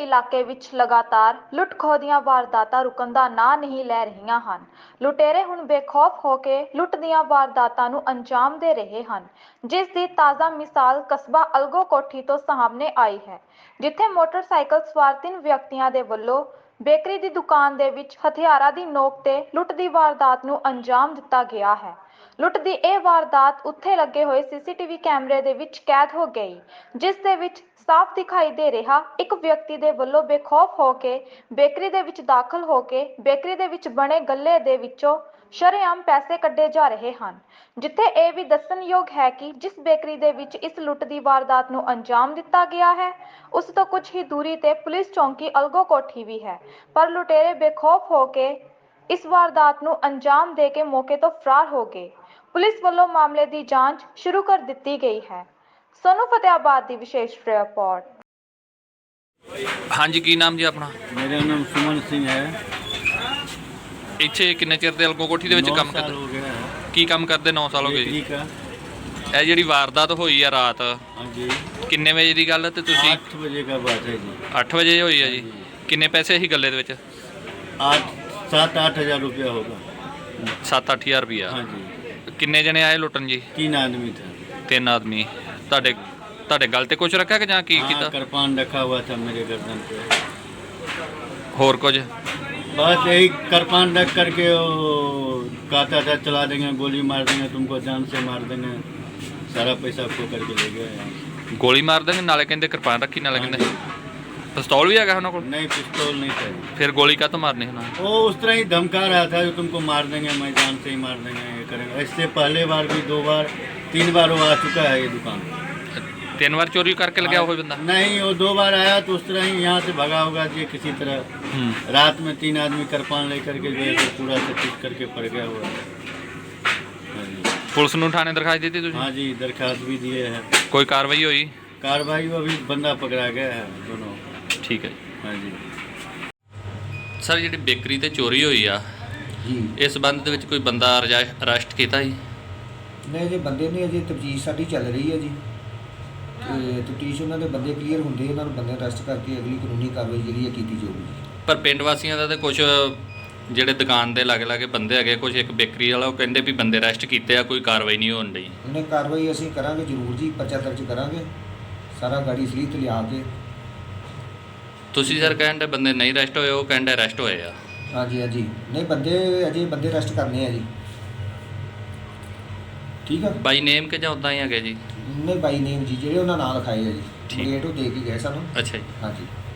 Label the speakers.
Speaker 1: ਇਲਾਕੇ ਵਿੱਚ ਲਗਾਤਾਰ ਲੁੱਟ-ਖੋਹ ਦੀਆਂ ਵਾਰਦਾਤਾਂ ਰੁਕਣ ਦਾ ਨਾਂ ਨਹੀਂ ਲੈ ਰਹੀਆਂ ਹਨ। ਲੁਟੇਰੇ ਹੁਣ ਬੇਖੌਫ ਹੋ ਕੇ ਲੁੱਟ ਦੀਆਂ ਵਾਰਦਾਤਾਂ ਨੂੰ ਅੰਜਾਮ ਦੇ ਰਹੇ ਹਨ, ਜਿਸ ਦੀ ਤਾਜ਼ਾ ਮਿਸਾਲ ਕਸਬਾ ਅਲਗੋ ਕੋਠੀ ਤੋਂ ਸਾਹਮਣੇ ਆਈ ਹੈ, ਜਿੱਥੇ ਮੋਟਰਸਾਈਕਲ ਸਵਾਰ 3 ਵਿਅਕਤੀਆਂ ਦੇ ਵੱਲੋਂ ਬੇਕਰੀ ਦੀ ਦੁਕਾਨ ਦੇ ਵਿੱਚ ਹਥਿਆਰਾਂ ਦੀ ਨੋਕ ਤੇ ਲੁੱਟ ਦੀ ਵਾਰਦਾਤ ਨੂੰ ਅੰਜਾਮ ਦਿੱਤਾ ਗਿਆ ਹੈ। ਲੁੱਟ ਦੀ ਇਹ ਵਾਰਦਾਤ ਉੱਥੇ ਲੱਗੇ ਹੋਏ ਸੀਸੀਟੀਵੀ ਕੈਮਰੇ ਦੇ ਵਿੱਚ ਕੈਦ ਹੋ ਗਈ, ਜਿਸ ਦੇ ਵਿੱਚ ਸਾਫ਼ ਦਿਖਾਈ ਦੇ ਰਿਹਾ ਇੱਕ ਵਿਅਕਤੀ ਦੇ ਵੱਲੋਂ ਬੇਖੌਫ ਹੋ ਕੇ ਬੇਕਰੀ ਦੇ ਵਿੱਚ ਦਾਖਲ ਹੋ ਕੇ ਬੇਕਰੀ ਦੇ ਵਿੱਚ ਬਣੇ ਗੱਲੇ ਦੇ ਵਿੱਚੋਂ ਸ਼ਰੇਆਮ ਪੈਸੇ ਕੱਢੇ ਜਾ ਰਹੇ ਹਨ। ਜਿੱਥੇ ਇਹ ਵੀ ਦੱਸਣਯੋਗ ਹੈ ਕਿ ਜਿਸ ਬੇਕਰੀ ਦੇ ਵਿੱਚ ਇਸ ਲੁੱਟ ਦੀ ਵਾਰਦਾਤ ਨੂੰ ਅੰਜਾਮ ਦਿੱਤਾ ਗਿਆ ਹੈ, ਉਸ ਤੋਂ ਕੁਝ ਹੀ ਦੂਰੀ ਤੇ ਪੁਲਿਸ ਚੌਂਕੀ ਅਲਗੋ ਕੋਠੀ ਵੀ ਹੈ, ਪਰ ਲੁਟੇਰੇ ਬੇਖੌਫ ਹੋ ਕੇ ਇਸ ਵਾਰਦਾਤ ਨੂੰ ਅੰਜਾਮ ਦੇ ਕੇ ਮੌਕੇ ਤੋਂ ਫਰਾਰ ਹੋ ਗਏ। ਪੁਲਿਸ ਵੱਲੋਂ ਮਾਮਲੇ ਦੀ ਜਾਂਚ ਸ਼ੁਰੂ ਕਰ ਦਿੱਤੀ ਗਈ ਹੈ। सोनू फतेहाबाद की विशेष रिपोर्ट।
Speaker 2: हाँ जी, की नाम जी अपना?
Speaker 3: मेरा नाम सुमन सिंह है।
Speaker 2: इत्थे किन्ने चिर दे अलगो कोठी दे विच काम करदे?
Speaker 3: 9 साल हो गया है।
Speaker 2: की काम करदे? 9 साल हो गए जी।
Speaker 3: का
Speaker 2: ਇਹ ਜਿਹੜੀ ਵਾਰਦਾਤ ਹੋਈ ਆ ਰਾਤ,
Speaker 3: हाँ जी,
Speaker 2: ਕਿੰਨੇ ਵਜੇ ਦੀ ਗੱਲ ਤੇ ਤੁਸੀਂ?
Speaker 3: 8 बजे का बात है जी।
Speaker 2: 8 ਵਜੇ ਹੋਈ ਆ ਜੀ। ਕਿੰਨੇ ਪੈਸੇ ਸੀ ਗੱਲੇ ਦੇ ਵਿੱਚ?
Speaker 3: 7-8 हज़ार रुपया होगा।
Speaker 2: 7-8000 ਰੁਪਇਆ।
Speaker 3: हाँ जी।
Speaker 2: ਕਿੰਨੇ ਜਣੇ ਆਏ ਲੁੱਟਣ ਜੀ?
Speaker 3: 3 आदमी था।
Speaker 2: 3 ਆਦਮੀ। ਤੁਹਾਡੇ ਗਲ ਤੇ ਕੁਝ ਰੱਖਿਆ ਕਿ ਜਾਂ ਕੀ
Speaker 3: हाँ,
Speaker 2: ਕੀਤਾ?
Speaker 3: कृपान रखा हुआ था मेरे गर्दन पे।
Speaker 2: ਹੋਰ ਕੁਝ?
Speaker 3: बस यही कृपान रख करके वो कहता था चला देंगे, गोली मार देंगे, तुमको जान से मार देंगे, सारा पैसा खो करके ले गया यहाँ।
Speaker 2: ਗੋਲੀ ਮਾਰ ਦੇਣਗੇ, ਨਾਲੇ ਕਹਿੰਦੇ ਕਿਰਪਾਨ ਰੱਖੀ, ਨਾਲੇ ਕਹਿੰਦੇ ਪਿਸਤੌਲ ਵੀ ਹੈਗਾ ਉਹਨਾਂ ਕੋਲ?
Speaker 3: नहीं, पिस्तौल नहीं था।
Speaker 2: ਫਿਰ ਗੋਲੀ ਕਾਹਤੋਂ ਮਾਰਨੀ ਉਹਨਾਂ ਨੇ?
Speaker 3: वो उस तरह ही धमका रहा था कि तुमको मार देंगे, मैं जान से ही मार देंगे, ये करेंगे। इससे पहले बार भी 2 बार 3 बार वो आ चुका है ये दुकान।
Speaker 2: 3 ਵਾਰ ਚੋਰੀ ਕਰਕੇ ਲਗਿਆ ਹੋਇਆ ਬੰਦਾ?
Speaker 3: नहीं, वो 2 बार आया तो उस तरह ही यहाँ से भगा होगा जी किसी तरह। रात में 3 आदमी कृपान लेकर के जो है तो पूरा से पीट करके पड़ गया हुआ है। हाँ जी।
Speaker 2: ਪੁਲਿਸ ਨੂੰ ਥਾਣੇ ਦਰਖਾਸਤ ਦਿੱਤੀ ਤੁਸੀਂ?
Speaker 3: हाँ जी, दरखास्त भी दिए हैं।
Speaker 2: ਕੋਈ ਕਾਰਵਾਈ ਹੋਈ?
Speaker 3: कार्रवाई वो अभी बंदा पकड़ा गया है दोनों।
Speaker 2: ਠੀਕ ਹੈ
Speaker 3: हाँ जी।
Speaker 2: ਸਰ, ਜਿਹੜੀ ਬੇਕਰੀ ਤੇ ਚੋਰੀ ਹੋਈ ਆ,
Speaker 4: ਜੀ
Speaker 2: ਇਸ ਸੰਬੰਧ ਦੇ ਵਿੱਚ ਕੋਈ ਬੰਦਾ ਅਰੈਸਟ ਕੀਤਾ ਜੀ?
Speaker 4: ਨਹੀਂ ਜੀ, ਬੰਦੇ ਨੇ ਅਜੇ ਤਫਤੀਸ਼ ਸਾਡੀ ਚੱਲ ਰਹੀ ਹੈ ਜੀ, ਤੇ ਤਫਤੀਸ਼ ਉਹਨਾਂ ਦੇ ਬੰਦੇ ਕਲੀਅਰ ਹੁੰਦੇ ਉਹਨਾਂ ਨੂੰ ਬੰਦੇ ਅਰੈਸਟ ਕਰਕੇ ਅਗਲੀ ਕਾਨੂੰਨੀ ਕਾਰਵਾਈ ਜਿਹੜੀ ਹੈ ਕੀਤੀ ਜਾਊਗੀ।
Speaker 2: ਪਰ ਪਿੰਡ ਵਾਸੀਆਂ ਦਾ ਤੇ ਕੁਝ ਜਿਹੜੇ ਦੁਕਾਨ ਦੇ ਲਾਗੇ ਬੰਦੇ ਹੈਗੇ, ਕੁਝ ਇੱਕ ਬੇਕਰੀ ਵਾਲਾ, ਉਹ ਕਹਿੰਦੇ ਵੀ ਬੰਦੇ ਅਰੈਸਟ ਕੀਤੇ ਆ, ਕੋਈ ਕਾਰਵਾਈ ਨਹੀਂ ਹੋਣ ਡਈ।
Speaker 4: ਉਹਨੇ ਕਾਰਵਾਈ ਅਸੀਂ ਕਰਾਂਗੇ ਜ਼ਰੂਰ ਜੀ, ਪਰਚਾ ਦਰਜ ਕਰਾਂਗੇ, ਸਾਰਾ ਗਾੜੀ ਸਲੀਤ ਲਿਆ ਕੇ।
Speaker 2: ਤੁਸੀਂ ਸਰ ਕਹਿੰਦੇ ਬੰਦੇ ਨਹੀਂ ਅਰੈਸਟ ਹੋਏ, ਉਹ ਕਹਿੰਦੇ ਅਰੈਸਟ ਹੋਏ ਆ।
Speaker 4: ਹਾਂਜੀ ਹਾਂਜੀ, ਨਹੀਂ ਬੰਦੇ ਅਜੇ ਬੰਦੇ ਅਰੈਸਟ ਕਰਨੇ ਆ ਜੀ। ਠੀਕ ਆ,
Speaker 2: ਬਾਈ ਨੇਮ ਕਿ ਜਾਂ ਉਦਾਂ ਹੀ ਹੈਗੇ ਜੀ?
Speaker 4: ਨਹੀਂ ਬਾਈ ਨੇਮ ਜੀ, ਜਿਹੜੇ ਉਹਨਾਂ ਨਾਂ ਲਿਖਾਏ ਆ ਜੀ,
Speaker 2: ਠੀਕ।
Speaker 4: ਡੇਟ ਉਹ ਦੇ ਕੇ ਗਏ ਸਾਨੂੰ।
Speaker 2: ਅੱਛਾ ਜੀ।
Speaker 4: ਹਾਂਜੀ।